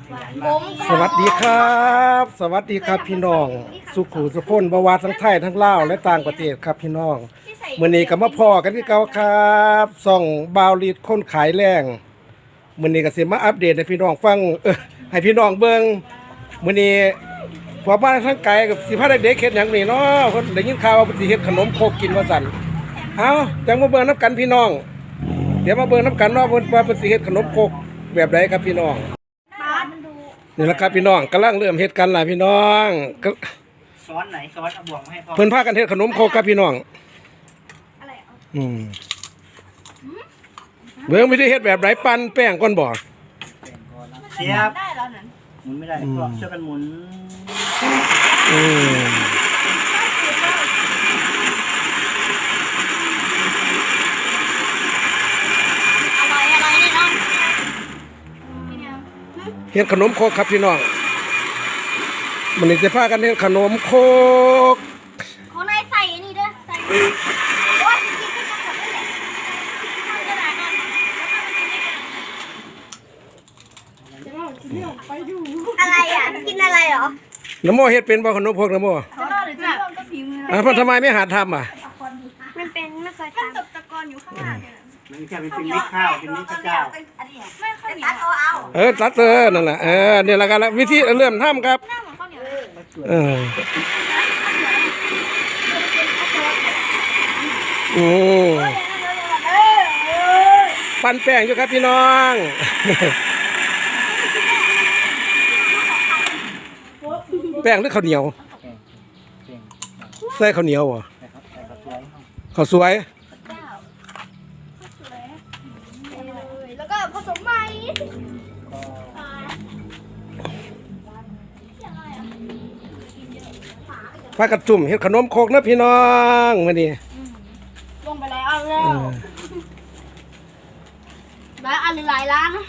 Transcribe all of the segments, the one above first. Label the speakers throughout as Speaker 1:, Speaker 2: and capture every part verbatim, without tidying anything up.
Speaker 1: สวัสดีครับ สวัสดีครับพี่น้อง สุขุสุขนบวาทั้งไทยทั้งลาวและต่างประเทศครับพี่น้องมื้อนี้ก็มาพอกันที่เก่าครับส่องบาวลีดคนขายแรงมื้อนี้ก็สิมาอัปเดตให้พี่น้องฟังเออให้พี่น้องเบิ่งมื้อนี้พอบ้านทั้งไกลกับสิพาเด็กๆเฮ็ดหยังนี่เนาะเพิ่นได้ยินข่าวว่าเพิ่นสิเฮ็ดขนมโคกกินว่าซั่นเอ้าจังมาเบิ่งนํกันพี่น้องเดี๋ยวมาเบิ่งนํกันเนาะเพิ่นว่าเพิ่นสิเฮ็ดขนมโคกแบบใดครับพี่น้องนี่แหละครับพี่น้องกำลังเริ่มเฮ็ดกันล่ะพี่น้องก็
Speaker 2: ซ้อนไหนซ้อนเอาบ่วงมาให้พ่อ
Speaker 1: เพิ่นพากันเฮ็ดขนมโคกครับพี่น้องอืมเบิ่งวิธีเฮ็ดแบบไหนปั้นแป้งก่อนบ่
Speaker 2: เสียบหมุนไม่ได้พ่อช่วยกันหมุน
Speaker 1: อืมเฮ็ดขนมโคกครับพี่น้องมันนี่จะพากันเฮ็ดขนมโคก
Speaker 3: เขาในใส่อันนี้เด้อใส่ว่าจริงๆก็ทำแบบนี้แหละทำกระดาษกันอะไรอ่ะกินอะไรเหรอ
Speaker 1: น้ำโมเฮ็ดเป็นบ่ขนมโคกน้ำโม
Speaker 3: เขาหรือจะก็พิมพ์
Speaker 1: อ่ะเพิ่นทำไมไม่หัดทำอ่ะ
Speaker 3: มันเป็นไม่เคยทำตกตะกอนอยู่ข้างหน้าเนี่ย
Speaker 2: มันจะเป็นมิตรข้าวเป็นมิตรข้าว
Speaker 3: ไม่ค่อยมีตัดเอาเอา
Speaker 1: เออตัดเออนั่นแหละเออนี่แหละกันละวิธีเริ่มทำครับ
Speaker 3: หน้าเหมือนข้าวเหนียว
Speaker 1: เออโอ้ปั้นแป้งอยู่ครับพี่น้องแป้งหรือข้าวเหนียวใส่ข้าวเหนียวเหรอข้าวสวย
Speaker 3: แล้วก็ผสมใหม่
Speaker 1: พากันจุ่มเฮ็ดขนมโคกนะพี่น้องมื้อนี้
Speaker 3: ลงไปแล้วแล้วหลายอันหลายร้านนะ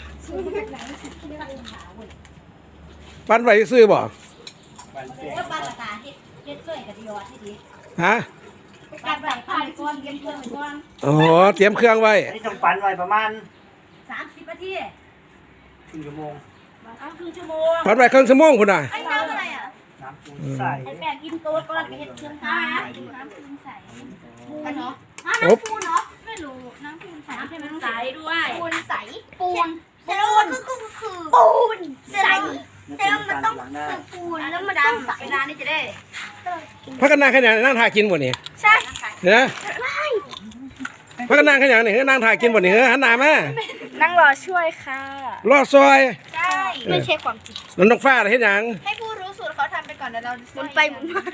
Speaker 1: ปั้นไว้ซื้อบ่
Speaker 3: ก็ปั้นราคาที่เฮ็ดช่วยกับดีออที่ดี
Speaker 1: ฮะ
Speaker 3: การใส่ผ้าก้อนเย็นเครื่องก้อน
Speaker 1: อ๋อเตรียมเครื่องไว้
Speaker 2: อันนี้ต้องปั้นไว้ประมาณ
Speaker 3: สามสิบนาที
Speaker 2: ครึ่งชั่วโมง
Speaker 3: อ้าวครึ่งชั่วโมง
Speaker 1: ปั้นไว้ครึ่งชั่วโมงพุ่นน่ะ
Speaker 3: ไอ้น้ำอะไรอ่ะ
Speaker 2: น้ำปูนใส่
Speaker 3: ไอ้แป้งกินโต๊ดก็เฮ็ดเครื่องน้ำน้ำปูนใส่ปูนเนาะน้ำปูนเนาะไม่รู้น้ำปูนใส่น้ำปูนใส่ด้วยปูนใสปูนแสดงว่าก็คือปูนใสแสดงว่ามันต้องคือปูนแล้วมันต้องใสเวลานี้จะได้
Speaker 1: พักกันนั่งขยันนั่งถ่ายกินบ่นี่
Speaker 3: ใช่
Speaker 1: เนี่ยพักกันนั่งขยันนี่นั่งถ่ายกินบ่นี่หันหน้ามา
Speaker 3: นั่งรอช่วยค่ะ
Speaker 1: รอซอย
Speaker 3: ใช่ไม่ใช่ความจริง
Speaker 1: น้องน้องฟ้าเฮ็ดหยัง
Speaker 3: ให้ผู้รู้สูตรเขาทำไปก่อนเดี๋ยวเราหมุนไปหมุนมา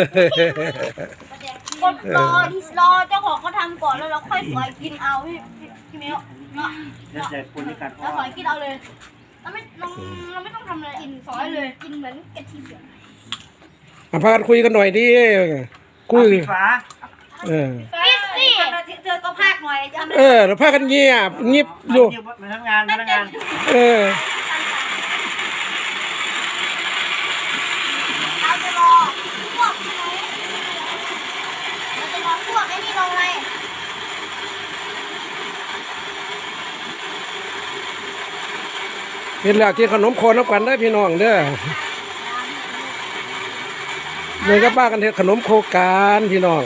Speaker 3: คนรอรอเจ้าของเขาทำก่อนแล้วเราค่อยสอยกินเอาพี่พี่เมลเนาะ
Speaker 2: เดี๋ยวจะปูนด้วยกัน
Speaker 3: เราสอยกินเอาเลยเราไม่เราเราไม่ต้องทำอะไรกินสอยเลยกินเหมือนกะทิเดือด
Speaker 1: มาพากันคุยกันหน่อยดิคุย
Speaker 2: ฟ้า
Speaker 1: เออ
Speaker 3: ปิดสิเธอก็พากหน่อย
Speaker 1: เออเราพากันเงียบเงียบอยู่
Speaker 2: มาทำงานมาทำงาน
Speaker 1: เออ
Speaker 3: เราจะรอพวกเราจะรอพวกไอ้นี่ลงเลย
Speaker 1: เห็นแล้วกินขนมโคนน้ำกันได้พี่น้องเด้อเลยก็ป้ากันเฮ็ดขนมโคกันพี่น้อง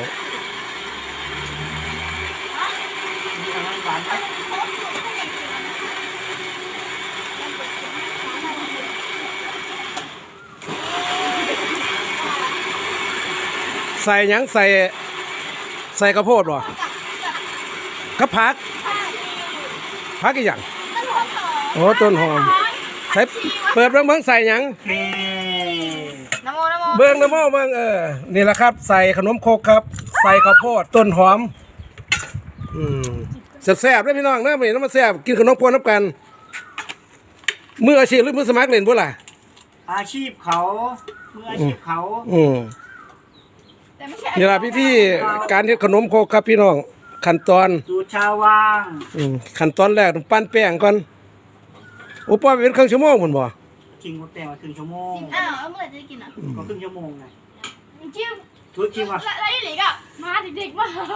Speaker 1: ใส่หยังใส่ใส่กระโพดบ่กระพักพักอีกอย่างโอ้ต้นหอมใส่เปิดเบิ่งเบิ่งใส่หยัง
Speaker 3: น้ำโมน้ำโม
Speaker 1: เบิ่งน้ำโมเบิ่งเออนี่แหละครับใส่ขนมโคกครับใส่ข้าวโพดต้นหอมอืมแซ่บๆเด้อพี่น้องเด้อมื้อนี้น้ำมาแซ่บกินขนมโคกน้ำกันมืออาชีพหรือมือสมัครเล่นบ่ล่ะ
Speaker 2: อาชีพเขามืออาชีพเขา
Speaker 1: อืมนี่ล่ะพี่ที่การเฮ็ดขนมโคกครับพี่น้องขั้นตอน
Speaker 2: สูตรชาวว่าง
Speaker 1: อืมขั้นตอนแรกต้องปั้นแป้งก่อนโอ้ป้าเป็นครึ่งชั่วโมงพุ่นบ่
Speaker 2: จริงหมดแต่ว่าครึ่งชั่วโมง
Speaker 3: อ้าวเมื่อไหร่จะกินอ่ะ
Speaker 2: ก็ครึ่งชั่วโมงไง
Speaker 3: จิ้ม
Speaker 2: ทุกชิมอ่ะ
Speaker 3: แล้วไอ้เหล็กอ่ะมาเด็กๆมา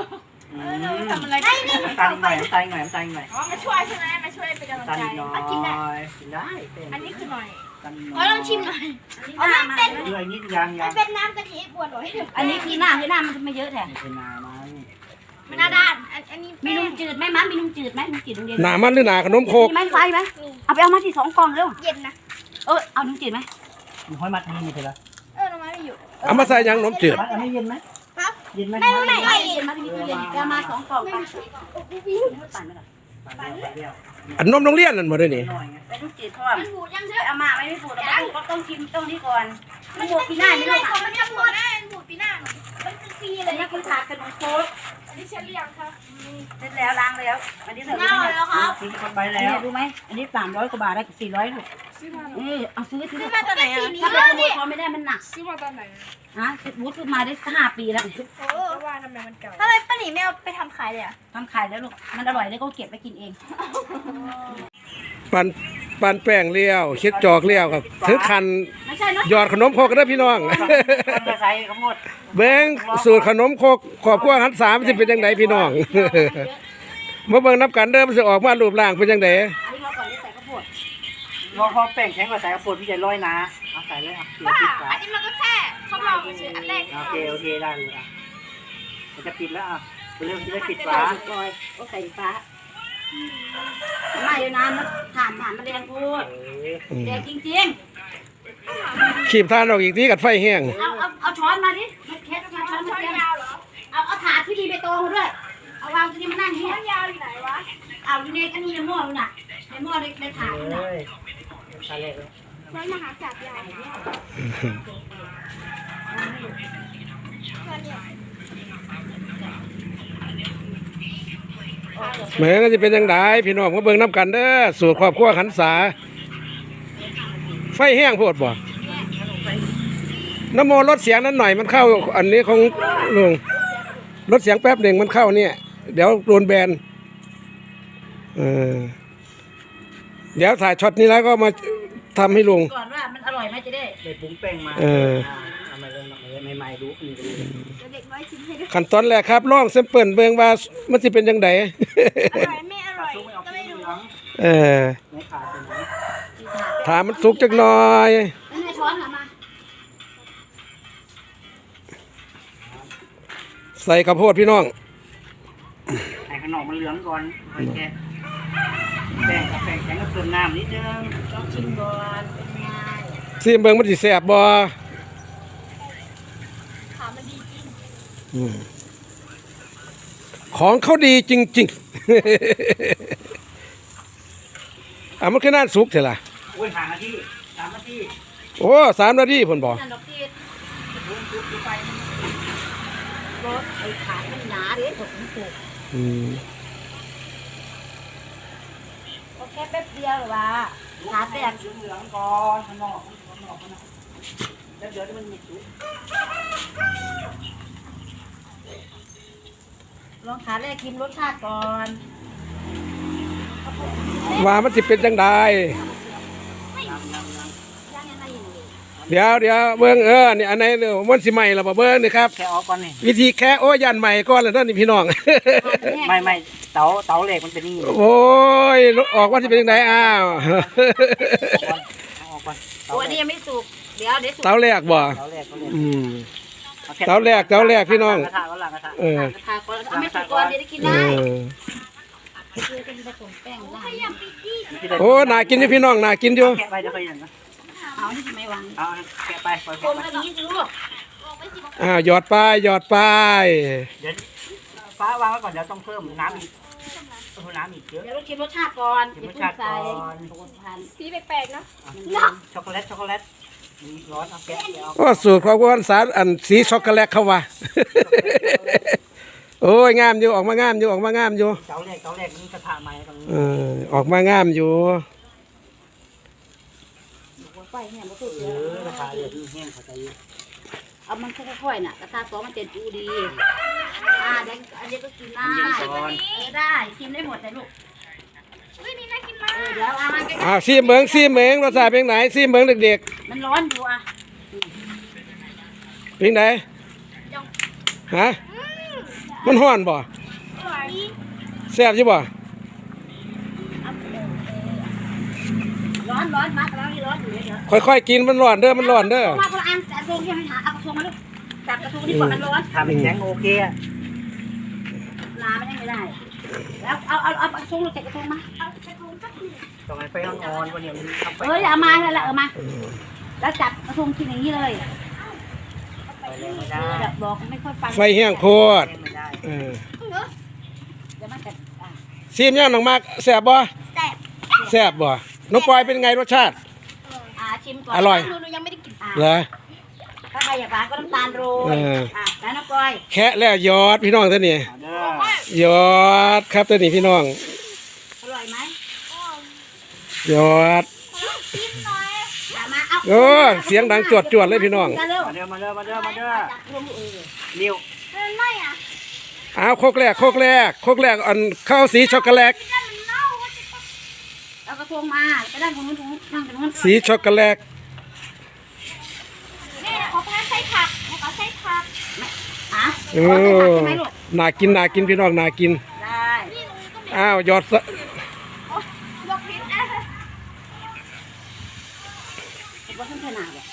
Speaker 2: อื
Speaker 3: ทำ
Speaker 2: ม
Speaker 3: อะไรกันเนี่ย
Speaker 2: น้ำตาลหน่อยน้ำตาลหน่อยน้ำตาลหน่อย
Speaker 3: อ๋อมาช่วยใช่ไหมมาช่วยเป็นกำลัง
Speaker 2: น้ำตาล
Speaker 3: ใจ
Speaker 2: น้อ
Speaker 3: อ่ะกินได้
Speaker 2: ยกินได้เป็น
Speaker 3: อันนี้คือหน่อย
Speaker 2: น้ำตาล
Speaker 3: อ๋อลองชิมหน่อยอ๋อมันเป็น
Speaker 2: เรื่อยนิดยังยัง
Speaker 3: เป็นน้ำกะทิบวชหน่อย
Speaker 4: อันนี้ที่หน้าที่หน้ามันไม่เยอะแท้
Speaker 2: เป็นนามัน
Speaker 3: มันหน้าด้านอันอันนี้
Speaker 4: มีนมจืดไหมมั้มีนมจืดไหมนมจืดโรงเรียน
Speaker 1: หนามันหรือหนาขนมโคก
Speaker 4: มีไหมไฟไหมเอาไปเอามาที่สองกล่องเร็ว
Speaker 3: เย็นนะ
Speaker 4: เออเอานมจืดไหม
Speaker 2: มีห้อยมัดนี่มีเถอะละ
Speaker 3: เออน้ำมันไม่อยู่
Speaker 1: เอามาใส่หยังขนมจืด
Speaker 2: มัดอันนี้เย็นไหม
Speaker 3: ครับ
Speaker 2: เย็นไหม
Speaker 3: ไม่ไม่
Speaker 4: ไม่เย็นมาที่นี่ตู้เย็นเอามาสองกล่องไปปั่นไปก่อน
Speaker 2: ปั่นเดียวปั่นเดียว
Speaker 1: อันนมโรงเรียนนั่นบ่ได้นี่
Speaker 2: หน่อยไง
Speaker 4: ไปนมจืดเพราะว่า
Speaker 3: มันบูดยังเถ
Speaker 4: ไป
Speaker 3: อะ
Speaker 4: เอามาไม่ไม่ปูดเอาก็ต้องชิมต้องนี่ก่อนมันหมดปีหน้าไม่
Speaker 3: ไม่
Speaker 4: รู้
Speaker 3: ได้
Speaker 4: ค่ะ
Speaker 3: มันจะบูดนะมันบูดปีหน้ามันคือฟรีเล
Speaker 4: อัน
Speaker 3: ย
Speaker 4: นี้คือถาดขนมโค้ก
Speaker 3: อันนี้เช็ดเรียงค่ะ
Speaker 4: เสร็จแล้วล้างแล้วอันนี้เสร็จ
Speaker 3: เน่าแล้วครับ
Speaker 2: ซื้อคนไป
Speaker 4: อัน
Speaker 2: แล้
Speaker 4: นี้
Speaker 2: ว
Speaker 4: รู้ไหมอันนี้สามร้อยกว่าบาทได้สี่ร้อยลูกเออเอาซื้อซื้อ
Speaker 3: ซื้อมาตอนไหนอ่ะ
Speaker 4: ถ้าไปขโมยพอไม่ได้มันหนัก
Speaker 3: ซื้อมาตอนไหน
Speaker 4: ฮะบูธซื้อมาได้ห้าปีแล้ว
Speaker 3: โอ้ว่าทำไมมันเก่าทำไมป้าหนีไม่เอาไปทำขายเลยอ่ะ
Speaker 4: ทำขายแล้วลูกมันอร่อยแล้วก็เก็บไปกินเอง
Speaker 1: ปันปันแป้งเลี้ยวเช็ดจอกเลี้ยวครับถือคัน
Speaker 4: ไม่ใช่เนาะ
Speaker 1: หยอดขนมโคกกันเด้อพี่น้อง
Speaker 2: คนกระใส่ขมด
Speaker 1: เบิ้งสูตรขนมโคกขอบครัวหันสามมันสิเป็นจังไดพี่น้อง มาเบิ่งนับกันเด้อมันสิออกมารูปร่างเป็นจังได
Speaker 4: อันนี้เราก่อนได้ใส่ข้าวโพด
Speaker 2: รอพอแป้งแข็งกว่าใส่กระปุกพี่จะร้อยนะเอาใส่เลยอ่ะเดี๋ยว
Speaker 3: ว่า
Speaker 2: ปิดฝา
Speaker 3: อันนี้มันก็แค่ทดลองเฉยอันแรก
Speaker 2: โอเคโอเคได้เลยอ่ะมันจะปิดแล้วอ่ะเรื่องที่ได้ปิด
Speaker 4: ใส่
Speaker 2: ฝา
Speaker 4: สุกลอยก็ใส่ฟ้าไม่อยู่นานมันถ่านถ่านมันแดงพูด
Speaker 2: เออ
Speaker 4: แดงจริง
Speaker 1: ขีบทานออกอีกทีกัดไฟแห้ง
Speaker 4: ๆ เอาเอาเอาช้อนมาดิไม่แค่ช้อนช้อน
Speaker 3: ช้
Speaker 4: มา
Speaker 3: อน
Speaker 4: เต็ม
Speaker 3: ยาวเหรอ
Speaker 4: เอาเอาถาดที่มีใบตองมาด้วย เอาวางตรงนี้มานั่งนี่
Speaker 3: ช้อนยาวอยู่ไหนวะ
Speaker 4: เอาอยู่ในอันนี้ในหม้อน่ะในหม้อในในถาด
Speaker 2: เล
Speaker 4: น่ะ
Speaker 2: ยใส่เลย
Speaker 3: ช้อนมหาจักรยาวช้อนเนี่ย
Speaker 1: เหมือนก็จะเป็นจังไดพี่น้องมาเบิ่งนับกันเด้อสูตรครอบครัวหันษาไฟแห้งโพดบ่น้ำโมลดเสียงนั้นหน่อยมันเข้าอันนี้ของลุงลดเสียงแป๊บหนึ่งมันเข้าเนี่ย เดี๋ยวโดนแบนเออเดี๋ยวถ่ายช็อตนี้แล้วก็มาทำให้ลุง
Speaker 4: ก่อนว่ามันอร่อยไหมจะได้
Speaker 2: ได้ปรุงแป้งมา
Speaker 1: เออ
Speaker 2: เอามาเลยเอามาเลยใหม่ๆรู้นี่ก็รู้
Speaker 3: เดี๋ยวเด็กน้อยชิมให้ดู
Speaker 1: ขั้นตอนแรกครับลองเซมเปิลเบิ่งว่ามันสิเป็นจังได
Speaker 3: อร่อยไม่อร่อย
Speaker 2: ซุปไม่เอา
Speaker 3: ก็
Speaker 2: พริ
Speaker 3: ไม่
Speaker 2: กเห
Speaker 3: รู้
Speaker 2: ลือง
Speaker 1: เออ
Speaker 2: ไม่ขาดเป็นไหม
Speaker 1: ถามมันสุกจักหน่อย
Speaker 4: แล้วในช้อนน่ะมา
Speaker 1: ใส่ข้าวโพดพี่น้อง
Speaker 2: ให้ขนมมันเหลืองก่อนค่อยแกะแป้งกับแป้งแข็งก็เติมน้ำนิดนึง
Speaker 4: ลองชิมก่อนเป็นไง
Speaker 1: ซีมเบิ่งมันสิแซ่บบ่
Speaker 3: ถามมันดีจริง
Speaker 1: อืมของเขาดีจริงๆ อ่ะมันแค่นั้นสุกเถอะล่ะ
Speaker 2: โอ้ยห่างนาทีสามนาที
Speaker 1: โอ้สามนาทีเพิ่นบอก
Speaker 4: นั่นดอกที่
Speaker 2: ปรุงซุปไป
Speaker 4: รสไอ้ขายมันหนาเด้ถูกมันถูก
Speaker 1: อืม
Speaker 4: ก็แค่แป๊บเดียวหรือว่าขาแตก
Speaker 2: เหลืองๆก่อนข้างนอกข้างนอกข้างนอกแล้วเดี๋ยวมันมีซุป
Speaker 4: ลองขาแรกกินรสชาติก่อน
Speaker 1: ว่ามันสิเป็นจังได
Speaker 4: ยังยังไงอยู่
Speaker 1: เดี๋ยวเดี๋ยวเบิ่งเออนี่อันไหนเดี๋ยวมันสิใหม่ล่ะบ่เบิ่งนี่ครับ
Speaker 2: แค่ออกก่อนนี่
Speaker 1: วิธีแค่โอ้ยันใหม่ก่อนแล้วนั่นนี่พี่น้อง
Speaker 2: ไม่ไม่เตาเตาเหล็กมันเป็นนี่
Speaker 1: โอ้ยออกว่าสิเป็นจังไดอ้าว
Speaker 2: เอาออกก่อนเตา
Speaker 4: ตัว
Speaker 2: เห
Speaker 4: นี้
Speaker 2: ล็ก
Speaker 4: ยังไม่สุกเดี๋ยวเดี๋ยวสุก
Speaker 1: เตาแรกบ่
Speaker 2: เตาเหล็กเตาเหล็ก
Speaker 1: อืม
Speaker 2: อค่
Speaker 1: เตาแรกเตาแรกพี่น้อง
Speaker 2: กระทะก็หลังกระทะ
Speaker 1: เออ
Speaker 4: ทาก่อนเอาไม่สุกก่อนเดี๋ยวได้กิน
Speaker 1: เอ
Speaker 4: ได้
Speaker 1: อ
Speaker 4: คือเป็นผสมแป้งได้
Speaker 1: โอ้น่ากินอยู่พี่น้องน่ากินอยู่
Speaker 2: แกะไปเดี๋ยวค่อยอย่างนะ
Speaker 4: เอานี่ทำไมวาง
Speaker 2: เอาแกะไปปล่อย
Speaker 4: ค
Speaker 2: แกะ
Speaker 4: ม
Speaker 2: ไป
Speaker 4: แบบนี้สิลูก
Speaker 1: อ่าหยอดป้ายหยอดป้าย
Speaker 2: เดี๋ยวฟ้าวางไว้ก่อนเดี๋ยวต้องเพิ่มน้ำอีกเพิ่มน้ำอีกเยอะ
Speaker 4: เดี๋ยวเราชิมรสชาติก่อน
Speaker 2: ชิมรสชาติก่อน
Speaker 4: โอ้ทาน
Speaker 3: สีแปลกๆเนาะ
Speaker 2: ช็อกโกแลตช็อกโกแลตมีร้อนเอาแกะเดี๋ยวเอา
Speaker 1: โอ้สูตรของวันสารอันสีช็อกโกแลตเข้าว่า โอ้ยงามอยู่ออกมางามอยู่ออกมางามอยู่
Speaker 2: เตาเหล็กเตาเหล็กนี่กระทะใหม่ตรงนี้
Speaker 1: เออออกมางามอยู่
Speaker 4: ไฟเนี่ยมันสุก
Speaker 2: เอ
Speaker 4: เย
Speaker 2: อกระ
Speaker 4: อะ
Speaker 2: ทะเหล็กนี่แห้งเข้าใจอยู่
Speaker 4: เอามันค่อยๆน่ะกระทะสองมันเต็มอูดีอ่าเดี๋ยวอันนี้ก็กินได้เออได้กินได้หมดเลยลูก
Speaker 3: อุ้ยนี่น่ากินมาก
Speaker 4: เออเดี๋ยวเอามาใกล้
Speaker 1: อ้าวซีเมืองซีเมืองรสชาติเป็นไหนซีเมืองเด็ก
Speaker 4: ๆมันร้อนอยู่อ่ะ
Speaker 1: ๆเป็นไหนฮะมันห้อนบ่
Speaker 3: ร่อย
Speaker 1: แซ่บใช่บ่
Speaker 4: ร้อนร้อนมากแล้วนี่ร้อนอยู่เดี๋ยว
Speaker 1: ค่อยๆกินมันร้อนเด้อมันร้อนเด้อ
Speaker 4: มาคนละอันแต่กระทงยังไม่หาเอากระทงมาลูกจับกระทงดีกว่ามันร้อน
Speaker 2: ถ้าเป็นแข็งโอเคอะ
Speaker 4: ลาไม่ได้ไม่ได้แล้วเอาเอาเอากระทงลูกใส่กระทงมา
Speaker 3: เอากระทงสักหนึ่ง
Speaker 2: ต้องให้ไฟอ่อนๆกว่านี้มันทำไฟ
Speaker 4: เออเอามาแล้วละเออมาแล้วจับกระทงกินอย่างนี้เลย
Speaker 2: ไฟแรงไม่
Speaker 4: เอ
Speaker 2: ได้
Speaker 4: อแบบบอกไม่ค่อยฟัง
Speaker 1: ไฟแห้งโคตร
Speaker 2: ไม่ได้
Speaker 1: เออ
Speaker 4: เดี๋ยวมันจะอ่ะ
Speaker 1: ซีมย่างน้องมากแซ่บบ่
Speaker 3: แซ่บ
Speaker 1: แซ่บบ่น้องปอยเป็นไงรสชาติ
Speaker 4: อ่าชิมก่อน
Speaker 1: อร่อย
Speaker 3: หนูหนูยังไม่ได้กิน
Speaker 4: อ่ะ
Speaker 1: เหรอ
Speaker 4: ถ้าใครอยากหวานก็น้ำตาลโรย
Speaker 1: เออ
Speaker 4: อ่ะแล้วน้ำกล้อย
Speaker 1: แคะแล้วยอดพี่น้องท่านนี่
Speaker 2: เอาเด้อย
Speaker 1: อดครับท่านนี่พี่น้อง
Speaker 4: อร่อยไหม
Speaker 1: ยอด
Speaker 3: กินหน่อย
Speaker 4: อย่ามาเอา
Speaker 1: โอ้เสียงดังจวดจวดๆเลยพี่น้อง
Speaker 4: กันเร็ว
Speaker 2: มาเด้อมาเด้อมาเด้อมาเด้อ
Speaker 4: จับรวมเออ
Speaker 2: นิ้ว
Speaker 3: มันไม่อ่ะ
Speaker 1: อ้าวโคกแรกโคกแรกโคกแรกอันข้าวสีช็อกโกแลต
Speaker 3: ถ้ามันเน่าก็จะต้อง
Speaker 4: เอากระทงมาไปด้านตรงนู้นตรงนู้นนั่งตรงนู้น
Speaker 1: สีช็อกโกแลต
Speaker 3: แม่ขอพาใส่ผักขอใส่ผัก
Speaker 4: อ่ะ
Speaker 1: โอ้
Speaker 4: เอาใส่ผักใช่ไหมลูก
Speaker 1: น่ากินน่ากินพี่น้องน่ากิน
Speaker 4: ได้
Speaker 3: นี่ตรงนี้ก็มี
Speaker 1: อ้าวยอดสะ
Speaker 3: โอ้ยกพิษอ่ะ
Speaker 4: คิดว่าขึ้นขนาดอ่ะ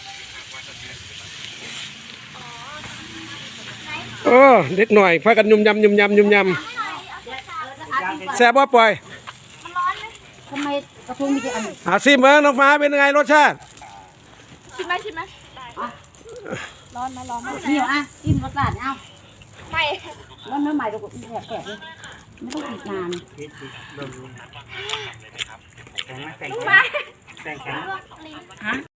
Speaker 1: โอ้เด็กหน่อยพากันยุ่มยำยุ่มยำยุ่มย
Speaker 3: ไม่หน่อยเอาใส่ผัก
Speaker 1: ำแซ่บบ่ปอย
Speaker 3: มันร้อนไหม
Speaker 4: ทำไมกระทงมีแต่อันนี้
Speaker 1: อาซิมเบิ้งน้องฟ้าเป็นไงรสชาติ
Speaker 3: ชิมไหมชิมไหมร้อนไหมร้อนไหม
Speaker 4: นี่อ่ะจิ้มรสชาติเอา
Speaker 3: ไม่
Speaker 4: แล้วเนื้อใหม่เราก็แฉะแฉะเลยไม่ต้องติดนาน
Speaker 2: คิดดิเบิ่งดูแข็งไหมแข็ง
Speaker 3: ลูก
Speaker 2: แข็
Speaker 3: มาง
Speaker 2: แข็งแข็ง
Speaker 3: ลวกลิ้น
Speaker 4: ฮะ